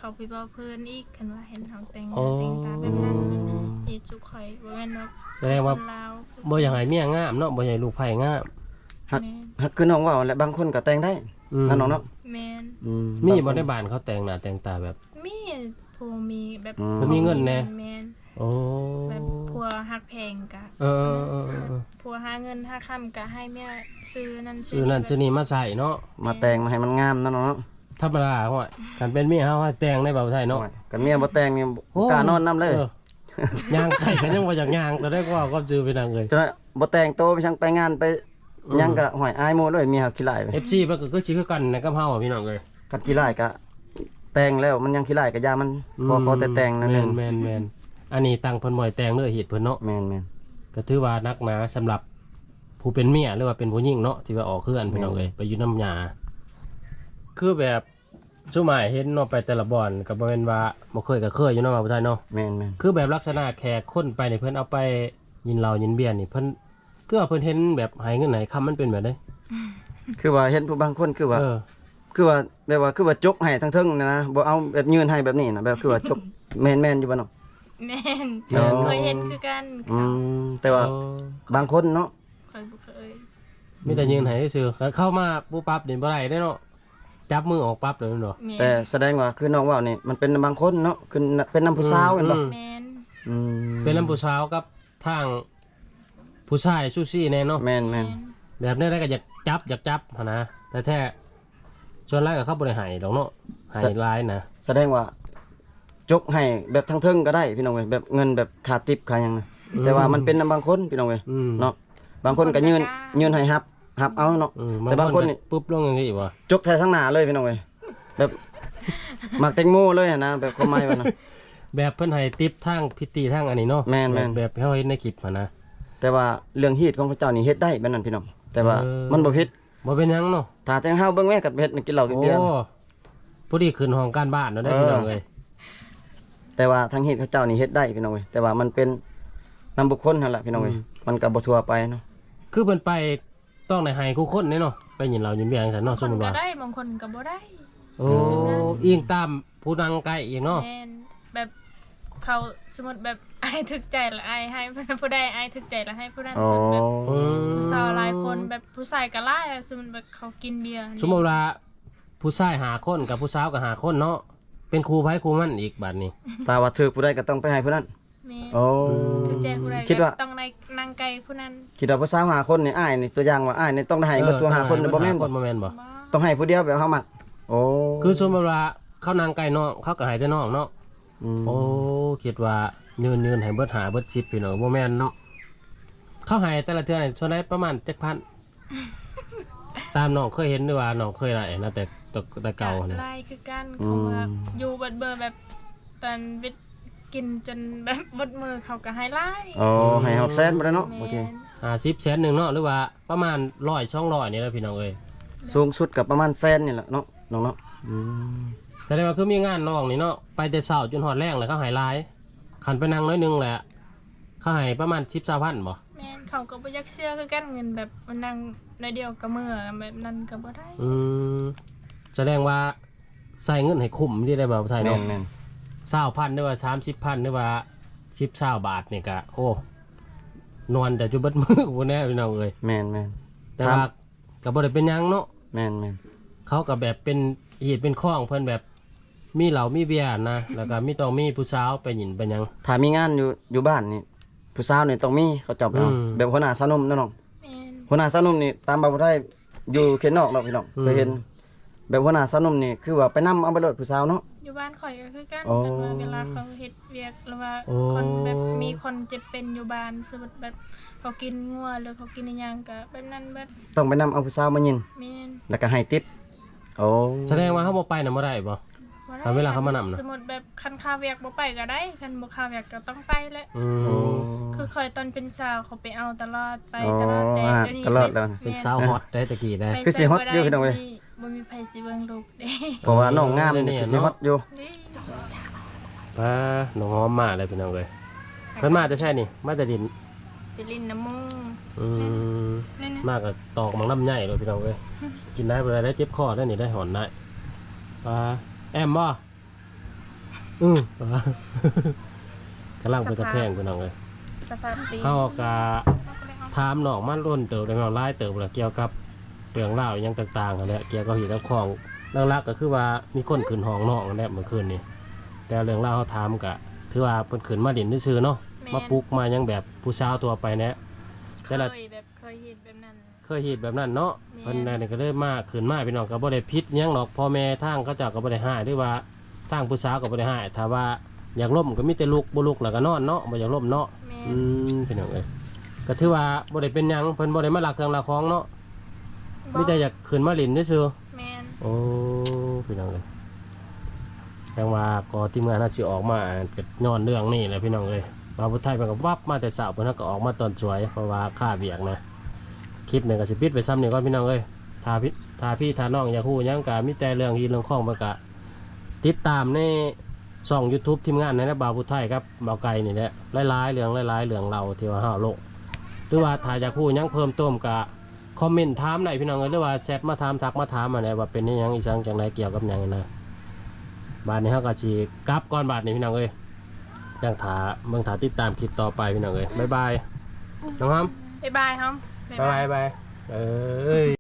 Speaker 3: เขาไปบอกเพิ่นอีกคันว่าเห็นเฮาแต่งหน้าแต่งตาแบบนั้นอีจุกข่อยบ่แม่นว่า
Speaker 1: แสดงว่า
Speaker 3: คนลาว
Speaker 1: บ่อยากให้เมียงามเนาะบ่อยากให้ลูกไผ่งาม
Speaker 2: ฮัก
Speaker 3: แม่น
Speaker 2: ฮักคือน้องว่าแหละบางคนก็แต่งได้
Speaker 1: อืม
Speaker 2: นั่นน้องเนาะ
Speaker 3: แม่น
Speaker 1: มีบ่ได้บ้านเขาแต่งหน้าแต่งตาแบบ
Speaker 3: มีผู้มีแบบ
Speaker 1: เพิ่นมีเงินแน่
Speaker 3: แม่น
Speaker 1: โอ้
Speaker 3: แบบผัวฮักแพงกะ
Speaker 1: เออ
Speaker 3: ผัวหาเงินหาค่ำกะให้เมียซื้อนั่น
Speaker 1: ซื้อนั่นซื้อนี่มาใส่เนาะ
Speaker 2: มาแต่งมาให้มันงามนั่นน้องเนาะ
Speaker 1: ธรรมดาห้อยกันเป็นเมียเฮาให้แต่งในบ่าวไทยเนาะ
Speaker 2: กันเมียบ่แต่งนี่บ่กล้านอนนํเลย
Speaker 1: ย่างไก่กันยังบ่อยากย่างแต่ได้ก็ก็จือไปนางเลย
Speaker 2: จนว่าบ่แต่งโตไปช่างไปงานไปหยังก็หอยอายโมเลยเมียเขาขี้ร้ายไป
Speaker 1: FC มันก็สิคือกันนะกับเฮาอะพี่น้องเอ้ย
Speaker 2: กันขี้ร้ายก็แต่งแล้วมันยังขี้ร้ายก็ยามันขอแต่แต่งนั่นเอง
Speaker 1: แม่นอันนี้ตั้งเพิ่นบ่อยแต่งเด้อเหตุเพิ่นเนาะ
Speaker 2: แม่น
Speaker 1: ก็ถือว่านักหนาสำหรับผู้เป็นเมียหรือว่าเป็นผู้หญิงเนาะที่ว่าออกเคลื่อนพี่น้องเอ้ยไปอยู่น้ำยาคือแบบชั่วหมายเห็นเนาะไปแต่ละบ่อนก็บ่แม่นว่าบ่เคยก็เคยอยู่เนาะว่าบ่ได้เนาะ
Speaker 2: แม่น
Speaker 1: คือแบบลักษณะแขกคนไปนี่เพิ่นเอาไปยินเหล้ายินเบียร์นี่เพิ่นคือว่าเพิ่นเห็นแบบให้เงินให้คำมันเป็นแบบใด
Speaker 2: คือว่าเห็นผู้บางคนคือว่า
Speaker 1: เออ
Speaker 2: คือว่าแบบว่าคือว่าจกให้ทั้งเทิงนะบ่เอาแบบยืนให้แบบนี้นะแบบคือว่าจกแม่นอยู่บ่เนาะ
Speaker 3: แม่น
Speaker 2: อ๋อ
Speaker 3: เคยเห็นคือกัน
Speaker 2: แต่ว่าบางคนเนาะ
Speaker 3: เคยบ่เคย
Speaker 1: มีแต่ยืนให้ซื่อๆเข้ามาปุ๊บปั๊บนี่บ่ได้เด้เนาะจับมือออกปั๊บเลยเนาะ
Speaker 3: แม่น
Speaker 2: แต่แสดงว่าคือน้องว่านี่มันเป็นบางคนเนาะคือเป็นน้ำผู้สาวเห็นบ่
Speaker 3: แม่น
Speaker 1: เป็นลำผู้สาวกับทางผู้ชายซูซี่แน่เนาะ
Speaker 2: แม่น
Speaker 1: แบบนี้ได้ก็อยากจับหั่นนะแต่แท้ชวนไล่กับเข้าบริหายดอกเนาะหายร้ายนะ
Speaker 2: แสดงว่าจกให้แบบทั้งเทิงก็ได้พี่น้องเว้ยแบบเงินแบบขาดติปขาหยังนะแต่ว่ามันเป็นบางคนพี่น้องเว้ย
Speaker 1: เนาะ
Speaker 2: เนาะบางคนก็ยืนให้ฮับเอาเนาะ แต่บางคนนี่
Speaker 1: ปุ๊บลงอย่างนี้วะ
Speaker 2: จกแท้ทั้งหน้าเลยพี่น้องเว้ยแบบหมักแตงโมเลยอะนะแบบความหมายว่านะ
Speaker 1: แบบเพิ่นให้ติปทางพิธีทางอันนี้เนาะ
Speaker 2: แม่น
Speaker 1: แบบเฮาเห็นในคลิปหั่นนะ
Speaker 2: แต่ว่าเรื่องฮีตของพระเจ้านี่เฮ็ดได้แบบนั้นพี่น้องแต่ว่ามันบ่ผิด
Speaker 1: บ่เป็นหยังเนาะ
Speaker 2: ถ้าแต่เฮาเบิ่งแม่กับเฮ็ดกินเหล้ากิน
Speaker 1: โอ้
Speaker 2: เบียร์
Speaker 1: ผู้ดีขึ้นห้องการบ้านเนาะได้พี่น้องเอ้ย
Speaker 2: แต่ว่าทางฮีตพระเจ้านี่เฮ็ดได้พี่น้องเว้ยแต่ว่ามันเป็นนำบุคคลนั่นแหละพี่น้องเว้ยมันก็บ่ทั่วไปเนาะ
Speaker 1: คือเพิ่นไปต้องได้ให้คู่คนเนาะไปยินเรายินเบียร์จังซั่นเนาะ
Speaker 3: ค
Speaker 1: สม
Speaker 3: น
Speaker 1: มุติ
Speaker 3: ก็
Speaker 1: ว่า
Speaker 3: ได้บางคนก็บ่ได้
Speaker 1: โอ้อิงตามผู้นั่งใกล้อีกเนาะ
Speaker 3: แม่นแบบเขาสมมุติแบบอายถึกใจละอายให้ผู้ใดอายถึกใจละให้ผู้นั้นสมมุติแบบผู้สาวหลายคนแบบผู้ชายก็หลายอะสมมุติแบบเขากินเบียร์นี่
Speaker 1: สมมุติว่าผู้ชายหาคนกับผู้สาวก็หาคนเนาะเป็นครูไผครูมันอีกบัดนี้
Speaker 2: ถ้าว่าถือผู้ใดก็ต้องไปให้ผู้นั้น
Speaker 3: แม่น
Speaker 2: โอ้
Speaker 3: ถึกใจผู้ใด
Speaker 2: คิดว่า
Speaker 3: ก็ต้องในนางไก่ผู้นั้น
Speaker 2: คิดว่าผู้สาวหาคนนี่อ้ายนี่ตัวอย่างว่าอ้ายนี่ต้องได้ให้เบิดตัวหาคนบ่แม่น
Speaker 1: ค
Speaker 2: บ่
Speaker 1: นบ่แม่นบ่
Speaker 3: บ่
Speaker 2: ต้องให้ผู้เดียวแบบเฮามักโอ้
Speaker 1: คือสมมุติว่าเขานางไก่น้องเขาก็ให้แต่น้องเนาะ
Speaker 2: ม
Speaker 1: โอ้คิดว่ายืนให้เบิดหาเบิด10พี่น้องบ่แม่นเนาะเขาให้แต่ละเทื่อนี่ส่วนได้ประมาณ 7,000 ตามน้องเคยเห็นด้วยว่าน้องเคยได้นะแต่เก่าเนี่ย
Speaker 3: ไล่คือกันเขาว่าอยู่เบิดเบอร์แบบตอนวิทย์กินจนแบบบดมือเขาก็ให้ไล่
Speaker 2: โอ้ให้เฮาแซนบ่ได้เนาะ
Speaker 3: แม่
Speaker 2: โอเค
Speaker 3: น
Speaker 1: 50แสนหนึงเนาะหรือว่าประมาณ100 200นี่แหละพี่น้องเอ้ย
Speaker 2: สูงสุดก็ประมาณแสนนี่แหละเนาะน้องเนาะอืม
Speaker 1: แสดงว่าคือมีงานน้องนี่เนาะไปแต่เช้าจนฮอดแรงเลยเขาให้หลายคันไปนั่งน้อยหนึงแหละเขาให้ประมาณ10-20,000บ่
Speaker 3: แม่นเขาก็บ่อยักเชื่อคือกันเงินแบบมันนั่งในอยเดียวกับมือแบบนั้นก็บ่ได้
Speaker 1: แสดงว่าใส่เงินให้คุ้มที่ได้แบบไทย
Speaker 2: แม่
Speaker 1: เนาะ
Speaker 2: น
Speaker 1: 20,000หรือว่า30,000หรือว่า10-20 บาทนี่ก็โอ้นอนแต่จุบัดมือกูแน่พี่น้องเอ้ย
Speaker 2: แม่น
Speaker 1: แต่ว่าก็บ่ได้เป็นหยังเนาะ
Speaker 2: แม่น
Speaker 1: เขาก็แบบเป็นเหตุเป็นข้องเพิ่นแบบมีเหล้ามีเบียร์นะแล้วก็มีต้องมีผู้สาวไปหยินไปหยัง
Speaker 2: ถ้ามีงานอยู่บ้านนี่ผู้สาวนี่ต้องมีเขาจับเอา
Speaker 1: อืม
Speaker 2: แบบหัวหน้าสาวหนุ่มเนาะน้อง
Speaker 3: แม่น
Speaker 2: หัวหน้าสาวหนุ่มนี่ตามบ่ได้อยู่เขตนอกเนาะพี่น้องเคยเห็น แบบหัวหน้าสาวหนุ่มนี่คือว่าไปนำเอาไปรถผู้สาวเนาะ
Speaker 3: อยู่บ้านข่อยก็คือกัน
Speaker 2: อ๋อ
Speaker 3: แต่ว่าเวลาเขาเฮ็ดเวียกหรือว่าคนแบบมีคนเจ็บเป็นอยู่บ้านสมมุติแบบเขากินงัวหรือเขากินอิหยังก็แบบนั้นแบบ
Speaker 2: ต้องไปนำเอาผู้สาวมายิน
Speaker 3: แม่น
Speaker 2: แล้วก็ให้ติปโอ้
Speaker 1: แสดงว่าเขาบ่ไปน่ะบ่ได้บ่
Speaker 3: บ่ได้
Speaker 1: คันเวลาเขามานำน่ะ
Speaker 3: สมมุติแบบคันข้าวเวียกบ่ไปก็ได้คันบ่ข้าวเวียกก็ต้องไปแหละ
Speaker 2: โอ้
Speaker 3: คือคอยตอนเป็นสาวเขาไปเอาตลอดไป
Speaker 2: อ๋อ
Speaker 3: ตลอดแต่
Speaker 2: อ่า
Speaker 3: เดี๋ยวนี้
Speaker 2: ตลอดแล้วนะ
Speaker 1: เป็นสาวฮอตได้ตะกี้ได้
Speaker 3: ไป
Speaker 2: คือสิฮอตอยู่พี่น้องเอ้ย
Speaker 3: บ่มีไผสิเบิ่งลูกเด้
Speaker 2: เพราะว่าน้องงามนี่คือสิฮอตอยู่
Speaker 3: นี่
Speaker 1: ป้าน้องหอมมาเลยพี่น้องเอ้ยเพิ่นมาแต่ใช่นี่มาแต่ดิน
Speaker 3: ไปลินน้ำมูก
Speaker 1: อืม
Speaker 3: นั่นน่ะ
Speaker 1: มากกับตอกมังน้ำใหญ่เลยพี่น้องเอ้ยกินได้บ่ได้ได้เจ็บคอได้นี่ได้หอนได้ปลาแอมบ่กำลังไปกระแทงพี่น้องเลย
Speaker 3: สภาพตี
Speaker 1: เขาก็ถามน้องมันร่นเติบได้น้องไล่เติบเกี่ยวกับเรื่องเล่าวอหยังต่างๆนั่นแหละเกี่ยวกับหีบกับของหลักๆก็คือว่ามีคนขึ้นห้องน้องนั่นแหละเมื่อคืนนี้แต่เรื่องเล่าวเขาถามก็ถือว่าเพิ่นขึ้นมาเล่นซื่อๆเนาะมาปลุกมายังแบบผู้สาวตัวไปแนะ
Speaker 3: เค
Speaker 1: แต่ละ
Speaker 3: ยเห็นแบบนั้น
Speaker 1: เคยเห็นแบบนั้นเนาะ
Speaker 3: แม่น
Speaker 1: เพิ่นนั่นก็เลยมาขึ้นมาพี่น้องก็บ่ได้ผิดหยังหรอกพ่อแม่ทางเขาเจ้าก็บ่ได้ห้ายหรือว่าทางผู้สาวก็บ่ได้ห้ายถ้าว่าอยากล่มก็มีแต่ลุกบ่ลุกแล้วก็นอนเนาะบ่อยากล่มเนาะ
Speaker 3: แม่
Speaker 1: พี่น้องเอ้ยก็ถือว่าบ่ได้เป็นหยังเพิ่นบ่ได้มาลักเครื่องลักของเนาะมีแต่อยากขึ้นมาเล่นซื่อ
Speaker 3: แม่น
Speaker 1: ๆโอ้พี่น้องเอ้ยจังว่าก็ทีมงานน่าสิออกมาก็ย้อนเรื่องนี้แหละพี่น้องเอ้ยบาวพุทธไทยเพิ่นก็วับมาแต่เช้าเพิ่นก็ออกมาตอนสวยเพราะว่าค่าเวียกนะคลิปนี้ก็สิปิดไว้ซ้ำนี่ก่อนพี่น้องเอ้ยถ้าพี่ถ้าน้องอยากฮู้หยังก็มีแต่เรื่องที่เรื่องของมันก็ติดตามในช่อง YouTube ทีมงานนะบาวพุทธไทยครับบ่าวไก่นี่แหละหลายๆเรื่องเราที่ว่าเฮาโลกหรือว่าถ้าอยากฮู้หยังเพิ่มเติมก็คอมเมนต์ถามได้พี่น้องเอ้ยหรือว่าแชทมาถามทักมาถามมาได้ว่าเป็นอิหยังอีสังจังไดเกี่ยวกับหยังนะบาดนี้เฮาก็สิกลับก่อนบาดนี้พี่น้องเอ้ยจังถาเบิ่งถาติดตามคลิปต่อไปพี่น้องเอ้ยบ๊ายบายน้องฮัม
Speaker 3: บ๊ายบายครับ
Speaker 1: บ๊ายบายเอ้ย